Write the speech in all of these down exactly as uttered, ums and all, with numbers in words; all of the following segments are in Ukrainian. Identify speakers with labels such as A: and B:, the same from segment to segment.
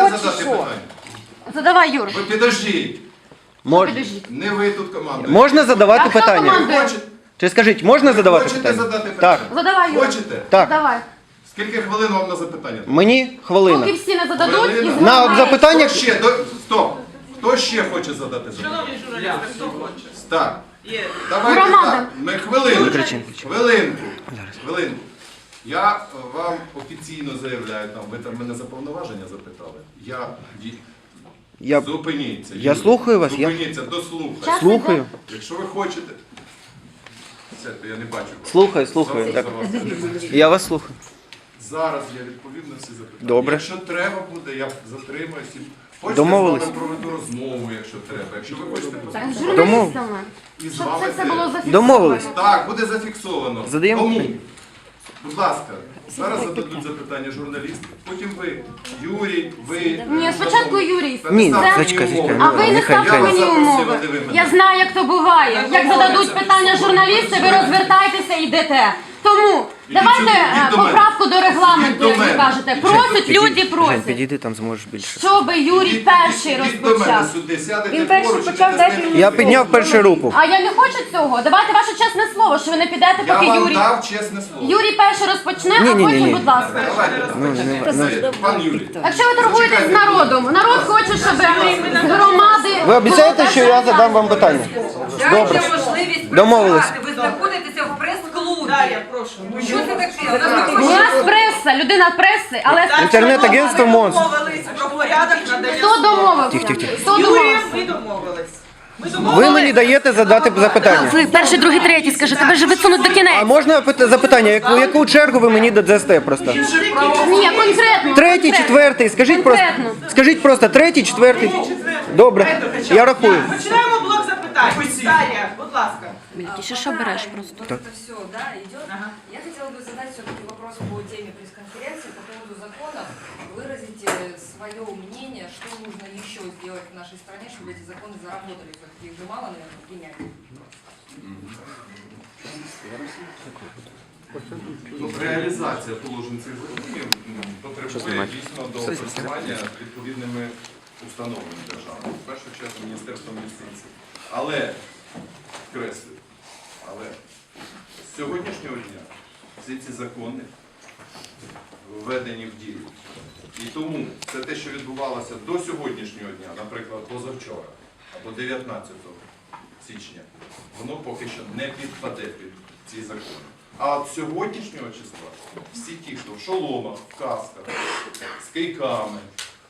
A: Можете
B: чи
A: задати
B: що?
A: питання?
C: Задавай, Юр.
A: Ви підождіть.
D: Мож...
A: Не ви тут командуєте.
D: Можна задавати
C: А хто
D: питання?
C: командує?
A: Хочете,
D: Чи скажіть, можна задавати
A: хочете
D: питання?
A: задати
D: Так.
A: питання?
C: Задавай, Юр.
A: Хочете?
D: Так.
C: Давай.
A: Скільки хвилин вам на запитання?
D: Мені хвилина.
C: Поки всі не зададуть,
A: Хвилина.
C: і
D: На
C: зламають.
D: запитання...
A: Хто ще? До... Стоп. Хто ще хоче задати запитання?
E: Шановні журналісти, хто хоче?
A: Так.
E: Є.
A: Давайте
C: Громада.
A: так. Ми хвилинку.
D: Не кричи, не кричи.
A: Хвилинку. Хвилинку. Я вам офіційно заявляю, там, ви там мене за повноваження запитали. Я... ді-
D: Я...
A: Зупиніться.
D: Я
A: Юрій.
D: слухаю вас, я-
A: Зупиніться, дослухайте.
C: Час
D: Слухаю.
C: іде.
A: Якщо ви хочете... Все, то я не бачу.
D: Слухаю, слухаю.
A: За-
D: Так.
A: за вас.
D: Я вас слухаю.
A: Зараз я відповім на всі запитання.
D: Добре.
A: Якщо треба буде, я затримаюся. Хочете
D: Домовились.
A: з вами проведу розмову, якщо треба. Якщо ви хочете
C: Так, з
A: поспілкуватися.
C: журналістами.
A: І з
C: Щоб
A: вами
C: це все
A: теж.
C: було зафіксовано.
D: Домовились.
A: Так, буде зафіксовано.
D: Задаємо
A: Тому,
D: питання.
A: будь ласка, зараз зададуть запитання журналісти, потім ви, Юрій, ви...
C: Ні, спочатку Юрій.
D: Ні,
A: Ставте
D: зачекай,
A: мені
D: зачекай.
A: умови.
C: А ви не
D: Нехай,
C: ставте
D: нехай.
C: мені
A: Я вас
C: умови.
A: запросив, а ви мене.
C: Я знаю, як то буває. Як зададуть питання журналісти, ви розвертайтеся і йдете. Тому давайте
A: сюди,
C: е,
A: йдіть до мене.
C: поправку до регламенту,
A: Йдіть до
C: як ви
A: мене.
C: кажете. Просять, люди
D: Жень,
C: просять.
D: підійди, там зможеш більше.
C: Щоб Юрій
A: Ідіть-
C: перший
A: ідіть до мене
C: розпочав.
A: сюди, сядете
B: Він перший
A: поруч,
B: почав,
A: ідете з
B: дайте
A: ним.
B: мені
D: Я підняв першу руку.
C: А я не хочу цього. Давайте ваше чесне слово, що ви не підете,
A: Я
C: поки
A: вам
C: Юрій.
A: дав чесне слово.
C: Юрій перший розпочне, а
D: Ні-ні-ні-ні.
C: потім, будь ласка.
A: Давайте,
D: Ну, не-
A: Це, пан Юрій.
C: Якщо ви торгуєтесь з народом, народ хоче, щоб з громади...
D: Ви обіцяєте, що я задам вам питання? Добре.
F: Дайте можливість
D: Домовились.
F: працювати. Ви знаходитеся в прес-клубі.
E: Дар'я, прошу.
F: Що це таке? У нас
C: У нас преса, людина преси, але
D: Інтернет-агентство «Монстр».
E: Домовились про порядок надання.
C: хто домовив?
D: Тих, тих, тих.
C: Хто
E: Юрієм
C: домовив?
E: ми домовились. Ми
D: Ви
E: домовились.
D: мені даєте задати запитання.
C: Ви перший, другий, третій, скажете, ви ж висунуть до
D: А
C: кінець.
D: можна пит- запитання, яку, яку чергу ви мені дадасте просто?
C: Ні, конкретно.
D: Третій,
C: конкретно.
D: четвертий, скажіть просто,
C: Конкретно.
D: скажіть просто третій, четвертий. Добре, я рахую.
E: Починаємо блок запитань. Дар'я, будь ласка.
C: Ти що береш просто?
F: Вот это все, да, идет. Я хотела бы задать все-таки вопрос по теме пресс-конференции по поводу законов. Выразите свое мнение, что нужно еще сделать в нашей стране, чтобы эти законы заработали. Все-таки их же мало, наверное, принять.
A: Ну, реалізація положень цих законів м, потребує дійсно до опрацювання відповідними установами держави. В першу чергу Міністерством юстиції. Але, креслю, але з сьогоднішнього дня всі ці закони введені в дію. І тому це те, що відбувалося до сьогоднішнього дня, наприклад, позавчора або дев'ятнадцятого січня, воно поки що не підпаде під ці закони. А от сьогоднішнього числа всі ті, хто в шоломах, в касках, з кийками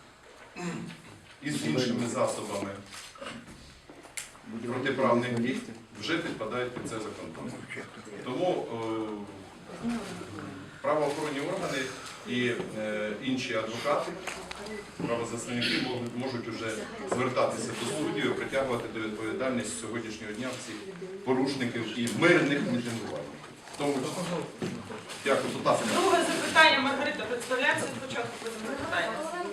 A: і з іншими засобами протиправних дій, вже підпадають під це закон. Тому е, правоохоронні органи і е, інші адвокати, правозахисники можуть, можуть вже звертатися до суддів і притягувати до відповідальності з сьогоднішнього дня всіх порушників і мирних мітингувальників. Тому дякую, будь ласка.
E: Друге запитання. Маргарита, представляється спочатку потім запитання.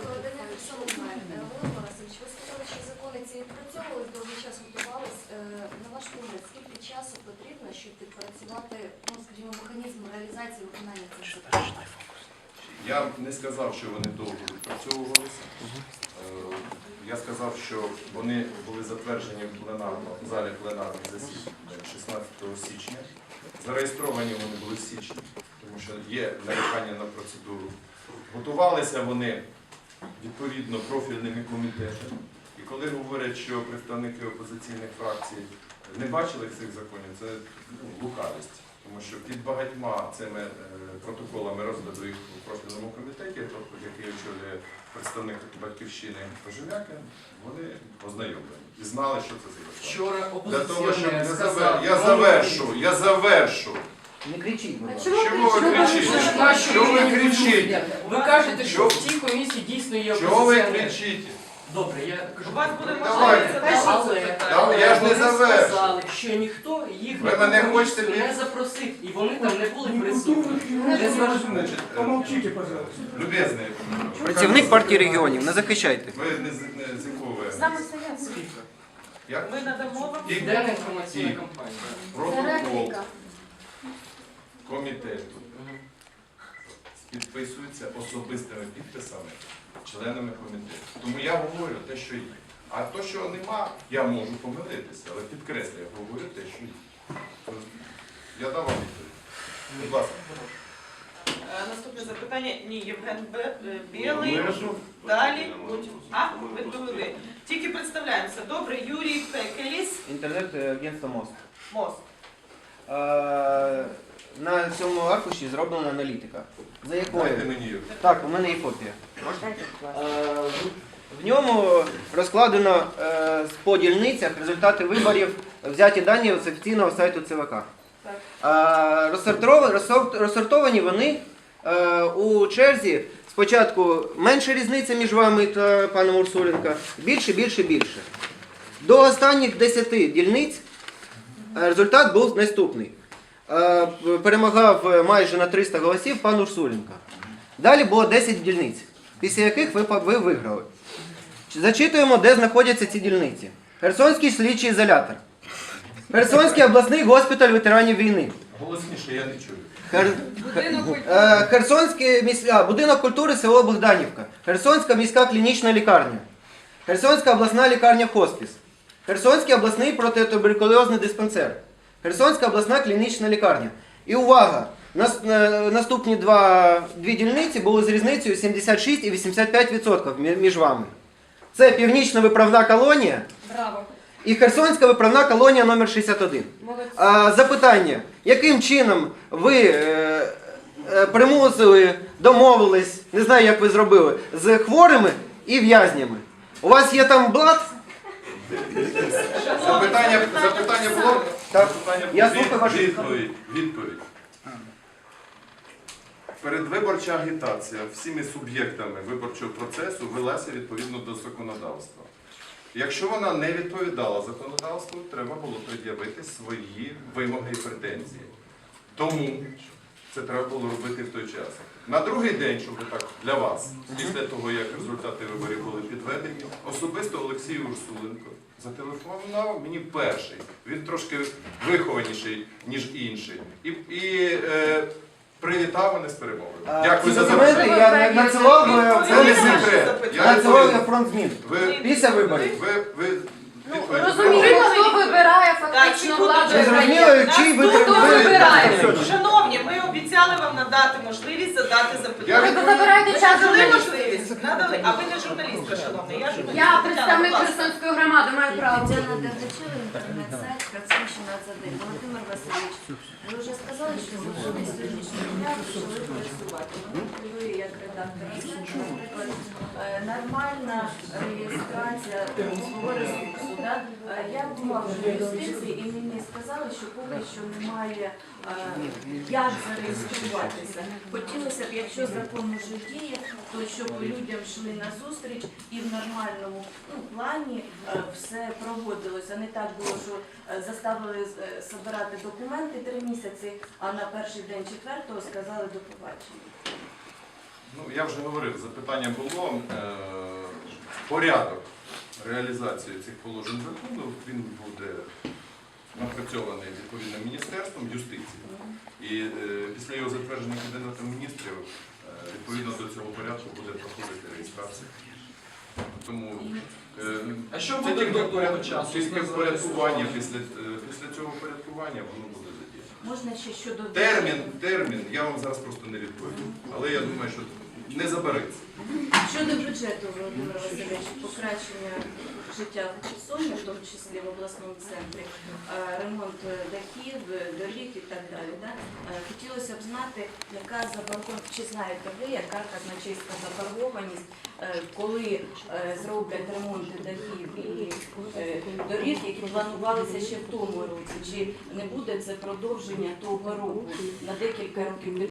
G: Ви сказали, що закони ці відпрацьовувались, довгий час готувались. На ваш погляд, скільки часу потрібно, щоб відпрацювати, ну, скажімо, механізм реалізації виконання цих законів?
A: Я не сказав, що вони довго відпрацьовувалися. Е, Я сказав, що вони були затверджені в пленарному в залі пленарних засідань шістнадцятого січня. Зареєстровані вони були в січні, тому що є нарікання на процедуру. Готувалися вони відповідно профільними комітетами. І коли говорять, що представники опозиційних фракцій не бачили цих законів, це ну, лукавість. Тому що під багатьма цими е, протоколами розгляду їх у профільному комітеті, тобто, який очолює представник Батьківщини Кожем'якин, вони ознайомлені і знали, що це за закон.
H: Вчора
A: Для того, щоб
H: опозиційний
A: не
H: сказав,
A: завер... Я завершу, я завершу.
H: Не кричіть, будь ласка.
A: Чому ви кричите?
H: Наші
A: Що ви
H: рівні
A: кричите?
H: люди. Ви кажете, що
A: Що?
H: в цій комісії дійсно є
A: Чого ви
H: опозиціонери.
A: кричите?
H: Добре, я кажу.
E: У вас буде
A: Давайте.
E: можливість
H: Але,
E: задати
A: Та
E: запитання.
A: я ж не
H: вони
A: завершу.
H: сказали, що ніхто їх
A: Ви
H: на
A: мене
H: ту
A: хочете
H: комісію
A: під-
H: не запросив, і вони там не були присутні. Не зважаючи.
A: Значить, Помолчите, пожалуйста. Любезний.
D: Працівник партії регіонів, не захищайте.
A: Ви не з, не з якого ви?
C: Саме совєтське.
A: Як?
E: Ми надамо вам.
A: І
H: Південна інформаційна
A: І.
H: кампанія.
C: Це
A: протокол
C: репліка.
A: комітету підписується особистими підписами членами комітету. Тому я говорю те, що є. А то, що нема, я можу помилитися, але підкреслю, я говорю те, що є. Я дав вам відповідь. Будь ласка.
E: Е, Наступне запитання. Ні, Євген Бе- е, Білий. Далі. А, ви довели. Тільки представляємося. Добре, Юрій Пекеліс.
D: Інтернет-агентство МОЗ.
E: Мост.
D: Е, На цьому аркуші зроблена аналітика. За якою?
A: Дайте мені її.
D: Так, у мене є копія. Е, В ньому розкладено е, по дільницях результати виборів, взяті дані з офіційного сайту ЦВК. Е, розсортовані, розсорт- розсортовані вони е, у черзі. Спочатку менша різниця між вами та паном Урсуленко, більше, більше, більше. До останніх десяти дільниць е, результат був наступний. Е, Перемагав майже на триста голосів пан Урсуленко. Далі було десять дільниць, після яких ви, по- ви виграли. Зачитуємо, де знаходяться ці дільниці. Херсонський слідчий ізолятор. Херсонський обласний госпіталь ветеранів війни.
A: Голосніше, я не чую.
D: Хер... Е, Херсонський міс... а, будинок культури село Богданівка. Херсонська міська клінічна лікарня. Херсонська обласна лікарня хоспіс. Херсонський обласний протитуберкульозний диспансер. Херсонська обласна клінічна лікарня. І увага! Нас, е, наступні два, дві дільниці були з різницею сімдесят шість і вісімдесят п'ять відсотків мі- між вами. Це Північна виправна колонія
C: Браво.
D: і Херсонська виправна колонія номер шістдесят один.
C: Молодці.
D: А, запитання. Яким чином ви е, е, примусили, домовились, не знаю, як ви зробили, з хворими і в'язнями? У вас є там блат?
A: Запитання, запитання було?
D: Так.
A: Запитання
D: Я
A: було?
D: слухаю вашу
A: Відповідь. Відповідь. Передвиборча агітація всіми суб'єктами виборчого процесу велася відповідно до законодавства. Якщо вона не відповідала законодавству, треба було пред'явити свої вимоги і претензії. Тому це треба було робити в той час. На другий день, щоб так для вас, після того, як результати виборів були підведені, особисто Олексій Урсуленко зателефонував мені перший. Він трошки вихованіший, ніж інший. І, і е, привітав мене з перемогою. Дякую
D: Ці
A: за
D: документи
A: запитання.
D: я надсилав, е,
A: Це не
D: це
A: секрет. Я
D: надсилав я
A: відповім.
D: фронт змін.
A: Ви,
D: Після виборів.
A: ви, ви
C: Ну,
A: відповідь.
C: розуміємо, хто вибирає фактично
E: Так,
C: владу
D: Ви
C: в
D: зрозуміли,
C: країні.
D: чий ви
C: Хто
D: ви-
C: вибирає?
E: Шановні, ми обіцяли вам надати можливість задати
A: Я
E: запитання.
C: Ви забираєте час
E: Надали
C: журналістів.
E: можливість? Надали. А ви не журналістка, шановна. Я журналістка.
C: Я представник
E: Будь ласка.
C: Херсонської громади, маю право.
G: Тетяна Дергачева, інтернет-сайт Херсонщина один. Володимир Васильович, ви вже сказали, що закони сьогоднішнього дня почали працювати. Вони хвилює як редактор. Це, наприклад, е, нормальна реєстрація свого ресурсу. Да? Е, Я була вже в юстиції і мені сказали, що поки що немає е, як зареєструватися. Хотілося б, якщо закон уже діє, то щоб людям йшли на зустріч і в нормальному ну, плані е, все проводилося. Не так було, що е, заставили е, збирати документи три місяці, а на перший день четвертого сказали до побачення.
A: Ну, я вже говорив, запитання було. Е, порядок реалізації цих положень закону, він буде напрацьований відповідним міністерством юстиції. І е, після його затвердження Кабінетом міністрів, е, відповідно до цього порядку буде проходити реєстрація. Тому е,
B: А що
A: це
B: буде
A: тільки
B: до того
A: поряд-
B: часу?
A: тільки впорядкування, після, е, після цього порядкування воно буде задіяно.
G: Можна ще щодо
A: Термін, термін, я вам зараз просто не відповім, але я думаю, що не забереться.
G: щодо бюджету, Володимир Васильович, покращення життя в Херсоні, в тому числі в обласному центрі, е, ремонт дахів, доріг і так далі. Да? Е, Хотілося б знати, яка заборгованість, чи знаєте ви, яка казначейська заборгованість, е, коли е, зроблять ремонти дахів і е, доріг, які планувалися ще в тому році, чи не буде це продовження того року на декілька років?